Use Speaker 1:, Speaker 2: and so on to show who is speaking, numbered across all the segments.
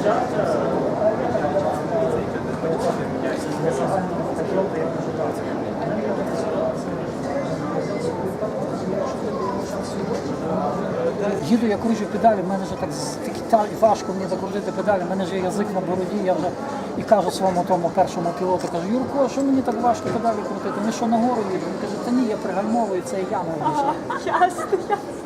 Speaker 1: Їду, я кручу педалі, в мене вже так важко мені закрутити педалі, в мене вже язик на бороді, я вже і кажу своєму тому першому пілоту, кажу, Юрко, що мені так важко педалі крутити? Ми що, нагору їдемо? Він каже, та ні, я пригальмовую, це і я не вирішую.
Speaker 2: Ясно.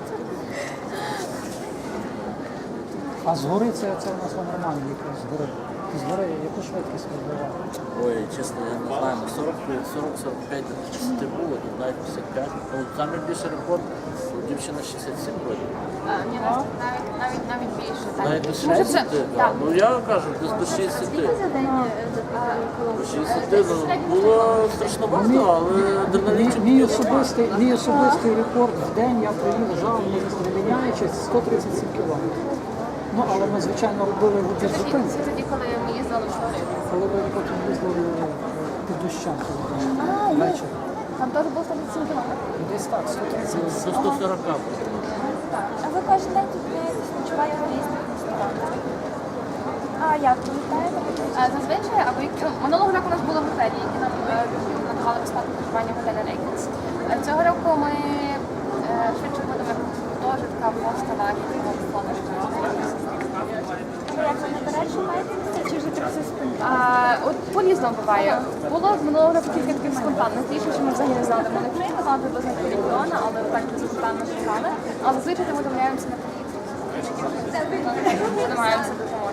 Speaker 1: А згори це у нас нормально їхати, згори. Згори, яку швидкість вибиває?
Speaker 3: Ой, чесно, я не знаю, на 40-45 частоти було, тут навіть 55. Ну, там більше рекорд, дівчина 67 років.
Speaker 2: Ні, навіть більше.
Speaker 3: Навіть до 60, так. Ну я кажу, десь до 60. До 60, ну, було страшно багато, але адреналінчик.
Speaker 1: Мій особистий рекорд в день я проїжджав, не міняючись, 137 кілометрів. Ну, але ми, звичайно, робили вибір зупинки.
Speaker 2: Це тоді, коли ми їздили в школі.
Speaker 1: Коли ви потім їздили під дощем. Ввечері.
Speaker 4: Там теж був 137 кілометрів?
Speaker 1: Десь так, 130.
Speaker 3: До 140.
Speaker 4: Так. А ви кожен день тут відпочиваєте в різних ресторанах? А як ви літаєте?
Speaker 2: Зазвичай, або минулого року у нас було готелі, які нам надавали безплатне проживання в готелі Рейкінс. Цього року ми швидше будемо гуртожитка, хостела,
Speaker 4: Як ви наперед шукаєте місце, чи вже так все спонтанно?
Speaker 2: От по-різному буває. Було минулого року кілька таких спонтанних рішень, що ми взагалі не знали, де ми не приїхали, приблизно полігона, але так спонтанно шукали. Але зазвичай ми домовляємося на поїздку. Намагаємося допомогти.